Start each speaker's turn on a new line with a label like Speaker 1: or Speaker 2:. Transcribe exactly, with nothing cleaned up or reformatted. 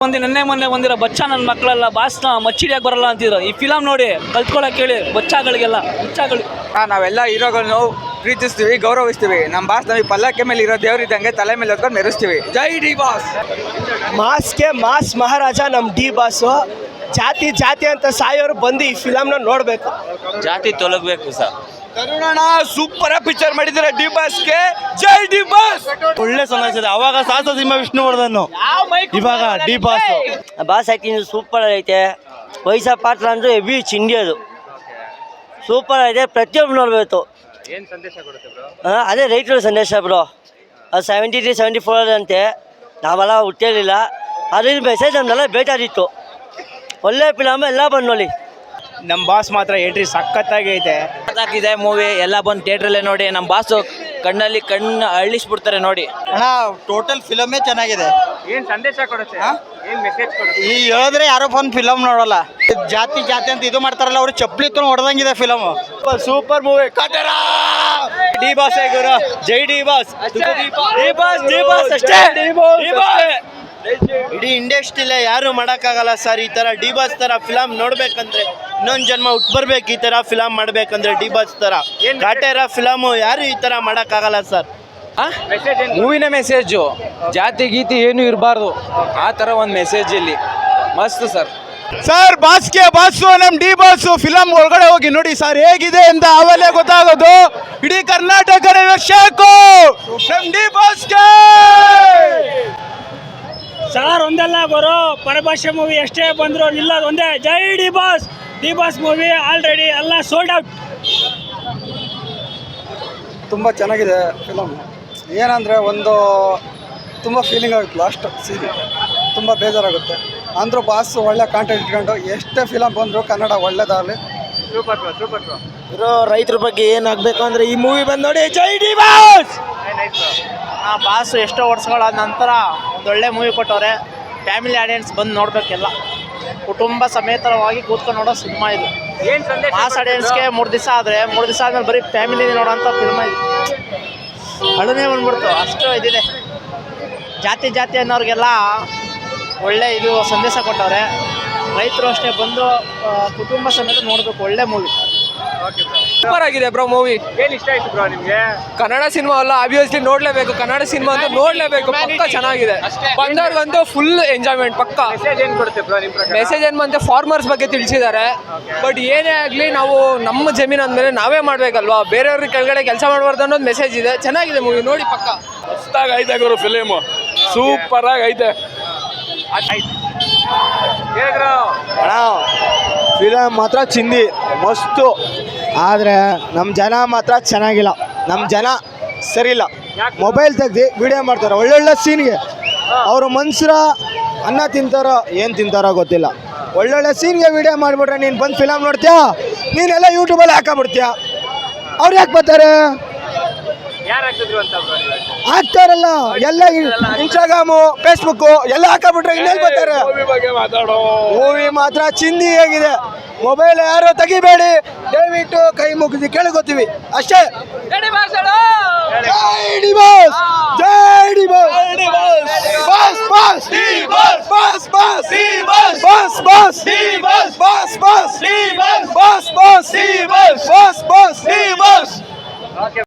Speaker 1: ಒಂದು ನೆನ್ನೆ ಮೊನ್ನೆ ಬಂದಿರೋ ಬಚ್ಚಾ ನನ್ನ ಮಕ್ಕಳೆಲ್ಲ ಬಾಸ್ನ ಮಚ್ಚಿಡಿಯಾಗಿ ಬರಲ್ಲ ಅಂತಿದ್ರು. ಈ ಫಿಲಮ್ ನೋಡಿ ಕಲ್ತ್ಕೊಳಕ್ ಹೇಳಿ ಬಚ್ಚಾಗಳಿಗೆಲ್ಲ ಬಚ್ಚಾಗಳು.
Speaker 2: ನಾವೆಲ್ಲ ಹೀರೋಗಳನ್ನು ಪ್ರೀತಿಸ್ತೀವಿ, ಗೌರವಿಸ್ತೀವಿ. ನಮ್ಮ ಬಾಸ್ ನಮಗೆ ಪಲ್ಲಕ್ಕೆ ಮೇಲೆ ಇರೋ ದೇವರಿದ್ದಂಗೆ ತಲೆ ಮೇಲೆ ಹೊತ್ಕೊಂಡು ಮೆರೆಸ್ತೀವಿ. ಜೈ ಡಿ ಬಾಸ್.
Speaker 3: ಮಾಸ್ಗೆ ಮಾಸ್ ಮಹಾರಾಜ ನಮ್ಮ ಡಿ ಬಾಸು. ಜಾತಿ ಜಾತಿ ಅಂತ ಸಾಯೋರು ಬಂದು ಈ ಫಿಲಮ್ನ ನೋಡಬೇಕು.
Speaker 4: ಜಾತಿ ತೊಲಗಬೇಕು ಸರ್.
Speaker 2: ಕರುಣಾಣ ಸೂಪರ್ ಪಿಕ್ಚರ್ ಮಾಡಿದ್ದಾರೆ ಡಿ ಬಾಸ್ಗೆ. ಜೈ ಡಿ ಬಾಸ್.
Speaker 4: ಒಳ್ಳೆ ಸಮಾಜ. ಅವಾಗ ಸಾಹಸ ಸಿಂಹ ವಿಷ್ಣುವರ್ಧನ್, ಇವಾಗ D boss.
Speaker 5: Boss acting super ಐತೆ. ವಯಸ್ಸ ಪಾತ್ರ ಅಂದರೆ ಹೆವಿ ಚಿಂಡಿಯೋದು ಸೂಪರ್ ಐತೆ. ಪ್ರತಿಯೊಬ್ಬರು ನೋಡಬೇಕು. ಹಾಂ, ಅದೇ ರೈತರ ಸಂದೇಶ ಬ್ರೋ. ಅದು ಸೆವೆಂಟಿ ತ್ರೀ ಸೆವೆಂಟಿ ಫೋರ್ ಅಂತೆ. ನಾವೆಲ್ಲ ಹುಟ್ಟಿರಲಿಲ್ಲ. ಅದ್ರಿಂದ ಮೆಸೇಜ್ ನಮ್ಮೆಲ್ಲ ಬೇಕಾಗಿತ್ತು. ಒಳ್ಳೆ ಫಿಲಮ್, ಎಲ್ಲ ಬಂದು ನೋಡಿ.
Speaker 3: ನಮ್ಮ ಬಾಸ್ ಮಾತ್ರ ಎಂಟ್ರಿ ಸಖತ್ತಾಗೈತೆ.
Speaker 4: ಇದೆ ಮೂವಿ, ಎಲ್ಲ ಬಂದು ಥಿಯೇಟ್ರಲ್ಲೇ ನೋಡಿ. ನಮ್ಮ ಬಾಸು ಕಣ್ಣಲ್ಲಿ ಕಣ್ಣು ಅಳ್ಳಿಸ್ಬಿಡ್ತಾರೆ ನೋಡಿ.
Speaker 6: ಅಣ್ಣ ಟೋಟಲ್ ಫಿಲಮೇ ಚೆನ್ನಾಗಿದೆ.
Speaker 2: ಏನ್ ಸಂದೇಶ ಕೊಡುತ್ತೆ, ಏನ್ ಮೆಸೇಜ್ ಕೊಡುತ್ತೆ?
Speaker 6: ಈ ಹೇಳಿದ್ರೆ ಯಾರೋ ಬಂದು ಫಿಲಮ್ ನೋಡಲ್ಲ. ಜಾತಿ ಜಾತಿ ಅಂತ ಇದು ಮಾಡ್ತಾರಲ್ಲ, ಅವ್ರು ಚಪ್ಪಲಿ ತು ಹೊಡೆದಂಗಿದೆ film.
Speaker 3: Super movie. D boss ಗುರು. ಜೈ D boss. D boss D boss ಅಷ್ಟೇ. ಡಿ ಬಾಸ್
Speaker 6: ಇಡೀ ಇಂಡಸ್ಟ್ರಿಲೇ ಯಾರು ಮಾಡೋಕ್ಕಾಗಲ್ಲ ಸರ್. ಈ ಥರ ಡಿ ಬಾಸ್ ಥರ ಫಿಲಮ್ ನೋಡ್ಬೇಕಂದ್ರೆ ಇನ್ನೊಂದು ಜನ್ಮ ಹುಟ್ಟು ಬರ್ಬೇಕು. ಈ ಥರ ಫಿಲಮ್ ಮಾಡಬೇಕಂದ್ರೆ ಡಿ ಬಾಸ್ ಥರ ಕಾಟೇರ ಫಿಲಮು ಯಾರು ಈ ಥರ ಮಾಡೋಕ್ಕಾಗಲ್ಲ ಸರ್.
Speaker 1: ಮೂವಿನ ಮೆಸೇಜು ಜಾತಿ ಗೀತಿ ಏನು ಇರಬಾರ್ದು, ಆ ಥರ ಒಂದು ಮೆಸೇಜ್ ಇಲ್ಲಿ ಮಸ್ತ್ ಸರ್.
Speaker 3: ಸರ್ ಬಾಸ್ಗೆ ಬಾಸು ನಮ್ಮ ಡಿ ಬಾಸು ಫಿಲಮ್ ಒಳಗಡೆ ಹೋಗಿ ನೋಡಿ ಸರ್ ಹೇಗಿದೆ ಅಂತ ಆವಲ್ಲೇ ಗೊತ್ತಾಗೋದು. ಇಡೀ ಕರ್ನಾಟಕ ಶೇಕು ನಮ್ಮ ಡಿ ಬಾಸ್ಗೆ.
Speaker 7: ಸರ್ ಒಂದಲ್ಲ ಬರೋ ಪರಭಾಷೆ ಮೂವಿ ಎಷ್ಟೇ ಬಂದ್ರು ನಿಲ್ಲೋದು ಒಂದೇ. ಜೈ D boss. D boss movie already ಎಲ್ಲ ಸೋಲ್ಡ್ ಔಟ್.
Speaker 8: ತುಂಬ ಚೆನ್ನಾಗಿದೆ ಫಿಲಮ್. ಏನಂದರೆ ಒಂದು ತುಂಬ ಫೀಲಿಂಗ್ ಆಗುತ್ತೆ ಲಾಸ್ಟ್ ಸೀನ್. ತುಂಬ ಬೇಜಾರಾಗುತ್ತೆ. ಅಂದರೂ ಬಾಸ್ ಒಳ್ಳೆ ಕಾಂಟೆಂಟ್ ಇಟ್ಕೊಂಡು ಎಷ್ಟೇ ಫಿಲಮ್ ಬಂದರೂ ಕನ್ನಡ ಒಳ್ಳೇದಾಗಲಿ.
Speaker 2: Super super.
Speaker 3: ಇರೋ ರೈತರ ಬಗ್ಗೆ ಏನಾಗಬೇಕು ಅಂದರೆ ಈ ಮೂವಿ ಬಂದು ನೋಡಿ. ಜೈ ಡಿ ಬಾಸ್.
Speaker 6: ಆ ಬಾಸು ಎಷ್ಟೋ ವರ್ಷಗಳ ನಂತರ ಒಂದೊಳ್ಳೆ ಮೂವಿ ಕೊಟ್ಟವ್ರೆ. ಫ್ಯಾಮಿಲಿ ಆಡಿಯನ್ಸ್ ಬಂದು ನೋಡಬೇಕೆಲ್ಲ. ಕುಟುಂಬ ಸಮೇತರವಾಗಿ ಕೂತ್ಕೊಂಡು ನೋಡೋ ಸಿನಿಮಾ ಇದು.
Speaker 2: ಏನ್ ಸಂದೇಶ?
Speaker 6: ಮಾಸ್ ಆಡಿಯನ್ಸ್ಗೆ ಮೂರು ದಿವಸ ಆದರೆ ಮೂರು ದಿವಸ ಆದಮೇಲೆ ಬರೀ ಫ್ಯಾಮಿಲಿ ನೋಡೋಂಥ ಫಿಲ್ಮ ಇದು. ಅಳುನೇ ಬಂದ್ಬಿಡ್ತು, ಅಷ್ಟು ಇದಿದೆ. ಜಾತಿ ಜಾತಿ ಅನ್ನೋರಿಗೆಲ್ಲ ಒಳ್ಳೆ ಇದು ಸಂದೇಶ ಕೊಟ್ಟವ್ರೆ. ರೈತರು ಅಷ್ಟೇ ಬಂದು ಕುಟುಂಬ ಸಮೇತ ನೋಡಬೇಕು. ಒಳ್ಳೆ ಮೂವಿ.
Speaker 1: ಸೂಪರ್ ಆಗಿದೆ ಬ್ರೋ ಮೂವಿ.
Speaker 2: ಏನ್ ಇಷ್ಟ ಆಯ್ತು ಬ್ರೋ ನಿಮ್ಗೆ?
Speaker 1: ಕನ್ನಡ ಸಿನಿಮಾ ಅಲ್ಲ, ಆಬ್ವಿಯಸ್ಲಿ ನೋಡ್ಲೇಬೇಕು. ಕನ್ನಡ ಸಿನಿಮಾ ಅಂತ ನೋಡ್ಲೇಬೇಕು. ಪಕ್ಕ ಚೆನ್ನಾಗಿದೆ. ಬಂದವ್ರಿಗಂತೂ ಫುಲ್ ಎಂಜಾಯ್ಮೆಂಟ್ ಪಕ್ಕ.
Speaker 2: ಮೆಸೇಜ್ ಏನ್ ಕೊಡುತ್ತೆ ಬ್ರೋ ನಿಮ್ ಪ್ರಕಾರ?
Speaker 1: ಮೆಸೇಜ್ ಏನ್ ಬಂತೆ, ಫಾರ್ಮರ್ಸ್ ಬಗ್ಗೆ ತಿಳಿಸಿದ್ದಾರೆ. ಬಟ್ ಏನೇ ಆಗಲಿ ನಾವು ನಮ್ಮ ಜಮೀನು ಅಂದಮೇಲೆ ನಾವೇ ಮಾಡ್ಬೇಕಲ್ವಾ, ಬೇರೆಯವ್ರ ಕೆಳಗಡೆ ಕೆಲಸ ಮಾಡಬಾರ್ದು ಅನ್ನೋದು ಮೆಸೇಜ್ ಇದೆ. ಚೆನ್ನಾಗಿದೆ ಮೂವಿ, ನೋಡಿ ಪಕ್ಕ.
Speaker 9: ಮಸ್ತಾಗಿ ಐತೆ ಗುರು ಫಿಲಿಮ್. ಸೂಪರ್ ಆಗಿ ಐತೆ.
Speaker 3: ಅಣ್ಣ ಫಿಲಮ್ ಮಾತ್ರ ಚಿಂದಿ ಮಸ್ತು. ಆದರೆ ನಮ್ಮ ಜನ ಮಾತ್ರ ಚೆನ್ನಾಗಿಲ್ಲ. ನಮ್ಮ ಜನ ಸರಿಯಿಲ್ಲ. ಮೊಬೈಲ್ ತೆಗ್ದು ವಿಡಿಯೋ ಮಾಡ್ತಾರೆ ಒಳ್ಳೊಳ್ಳೆ ಸೀನ್ಗೆ. ಅವರು ಮನ್ಸರ ಅನ್ನ ತಿಂತಾರೋ ಏನು ತಿಂತಾರೋ ಗೊತ್ತಿಲ್ಲ. ಒಳ್ಳೊಳ್ಳೆ ಸೀನ್ಗೆ ವಿಡಿಯೋ ಮಾಡಿಬಿಟ್ರೆ ನೀನು ಬಂದು ಫಿಲಮ್ ನೋಡ್ತೀಯಾ, ನೀನೆಲ್ಲ ಯೂಟ್ಯೂಬಲ್ಲಿ ಹಾಕೊಂಬಿಡ್ತೀಯ. ಅವ್ರು ಯಾಕೆ ಬರ್ತಾರೆ? ಹಾಕ್ತಾರಲ್ಲ ಎಲ್ಲ ಇನ್ಸ್ಟಾಗ್ರಾಮು ಫೇಸ್ಬುಕ್ಕು ಎಲ್ಲ ಹಾಕೊಂಬಿಟ್ರೆ ಇನ್ನೇನು ಬರ್ತಾರೆ? ಮೂವಿ ಮಾತ್ರ ಚಿಂದಿ ಹೇಗಿದೆ. ಮೊಬೈಲ್ ಯಾರು ತೆಗಿಬೇಡಿ ದಯವಿಟ್ಟು, ಕೈ ಮುಗಿದು ಕೇಳಿಕೊತೀವಿ ಅಷ್ಟೇ. ಜೈ ಡಿ ಬಾಸ್. ಜೈ D boss. Boss boss boss boss boss boss boss boss boss boss boss boss boss boss boss